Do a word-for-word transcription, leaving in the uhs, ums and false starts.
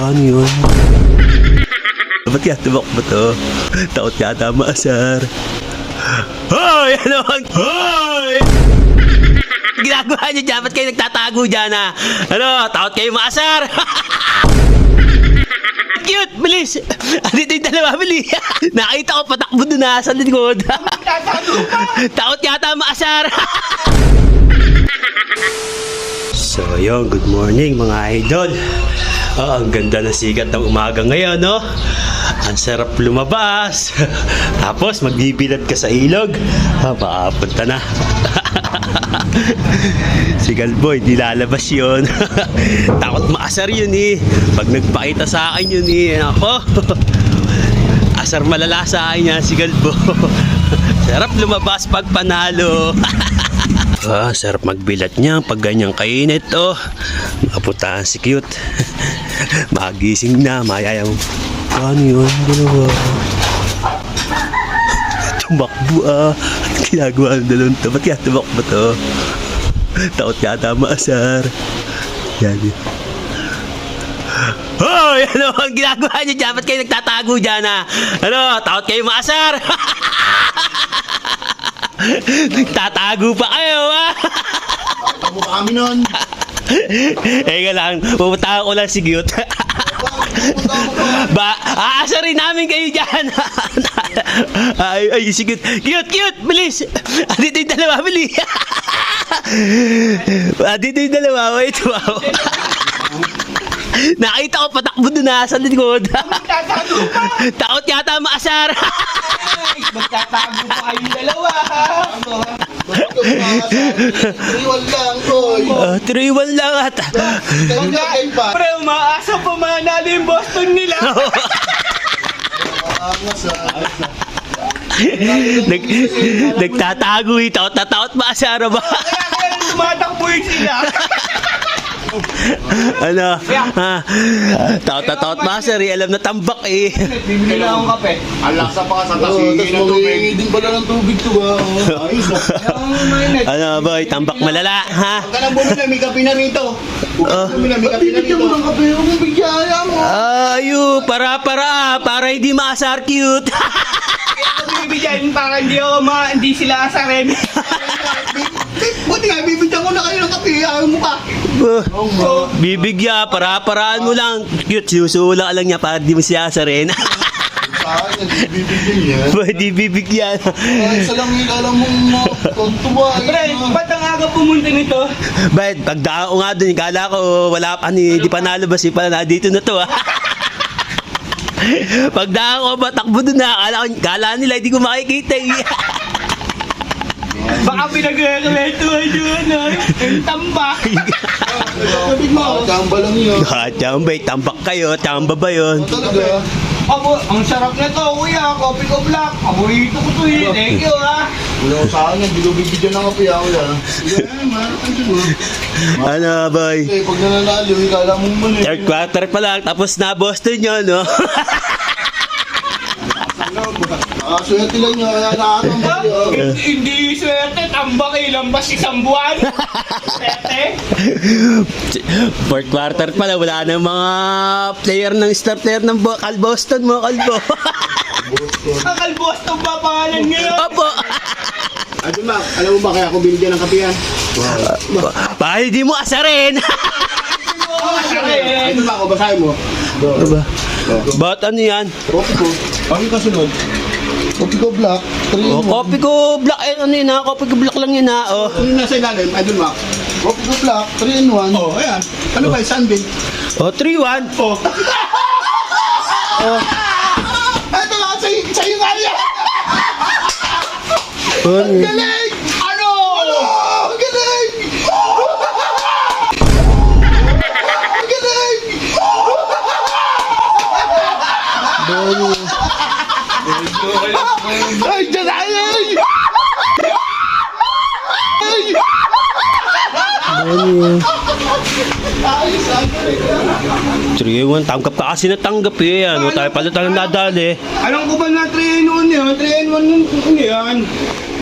Paano yun? Ba't kaya tubak ba to? Takot yata maasar. Hoy! Ano bang? Hoy! Ginagawa niyo dyan? Ba't kayo nagtatago dyan ha? Ano? Takot kayo maasar? Cute! Bilis! Dito yung dalawa, bilis! Nakita ko patakbo doon na sa likod. Takot yata maasar. So yun, good morning mga idol. Oh, ang ganda na sikat ng umaga ngayon, no? Ang sarap lumabas. Tapos magbibilad ka sa ilog. Ah, makapunta na. Si Galboy, di lalabas yun. Takot maasar yun eh. Pag nagpakita sa akin yun eh. Ako, asar malala sa akin yan si Galbo. Sarap lumabas pag panalo. Ah, sarap magbilat niya pag ganyang kainit, oh. Makapuntahan si Cute. Magising na, mayayang. Ano yun? Dalawa. Tumakbo ah. At ginagawa ng dalawang to. Ba't kaya tumakbo to? Takot yata maasar. Yan yun. Hoy! Ano ang ginagawa niyo dyan? Ba't kayo nagtatago dyan ha? Ano? Takot kayo maasar? Tatago pa kayo ha? Tamo kami nun. Eka lang, pupunta ko lang si Cute. Ba, aasarin namin kayo dyan. Ay, ay, si Cute. Cute, Cute, bilis. Dito yung dalawa, bilis. Dito yung dalawa, wait, wow. Nakita ko patakbo doon na sa likod. Takot yata maasar. Magtatago pa kayong dalawa, ha? Iwan lang, boy. Uh, Tiriwan lang at... Pre, umaasa pa manalo yung Boston nila. Nag, nagtatago ito. Tatakot maasar ba? Kaya kaya tumatakbo yun sila. Ano? Ha? Takot-takot maasar eh. Alam na tambak eh. Bibili na akong kape. Alaksa pa ka sa tasigi ng tubig. Din pala ng tubig to ba? Ayos ah. Ano boy? Tambak malala ha? Huwag ka nang bumili, may kape na rito. Huwag ka nang bumili, may kape na rito. Huwag ka kape, huwag mong bigyan mo. Ayo, para-para. Para hindi maasar Cute. Kaya ako bibigyan para hindi ako ma... hindi sila asarin. Buti nga, bibigyan ko na kayo ng kape. Ayaw mo pa. Uh, bibigyan, para-paraan mo lang. Cute, susula lang niya para di mo siya asarin. Saan yan, bibigyan yan. Pwede bibigyan. Ay, isa lang yung alam mong tontuwa. Pre, ba't ang aga pumunta nito? But pagdaan ko nga dun, kala ko wala pa ni, di pa nalabas, di pa na dito na to. Pagdaan ko ba, takbo dun na, kala, kala nila hindi ko makikita. Baka pinag-rekommentuhan yun, ha? Ang tambak. Sabi mo, tamba lang yun. Ha, tambay, tambak kayo, tamba ba yun? Talaga. Abo, ang sarap na to, kuya. Coffee ko black. Paborito ko to eh. Thank you, ha? Wala ko saan yan, hindi ko bibigyan ng kape ako yan. Sige, man, ano siguro? Ano boy? Eh, pag nananalo, ikala mo muna eh. Third quarter pa lang, tapos na Boston yun, no? Nakaswerte lang nyo, kaya nakatambak yun. Hindi swerte, tambak ilang bas isang buwan. Swerte. Fourth quarter pa lang, wala na mga player ng star player ng Bo- Cal Boston mo, Calbo. Akal Boston pa pangalan ngayon. Opo. Ate Mac, alam mo ba kaya ako binigyan ng kape yan? Baka hindi mo asarin. Ate Mac, o basahin mo. Diba? Ba't ano yan? Kopi ko. Ano kasunod? Kopi ko black. three Oh, in one. kopi ko black, eh, ano yun ha? Kopi ko black lang yun ha, oh. Ano yung nasa ilalim? Idol Mac. Kopi ko black, three in one. Oh, ayan. Ano ba yung sunbeam? Oh, three one. Oh. Oh. Ito nga, sa'yo, sa'yo nga yan! Ano? Galing! Ano? Ano? Ang galing! Ang galing! Ay, dyan na! Ay! Ay! Ano? Ayos, ang galing. three one, tanggap ka kasi natanggap eh. Ano tayo pala tayo nadali. Alam ko ba na three in one yun? three in one yun yan.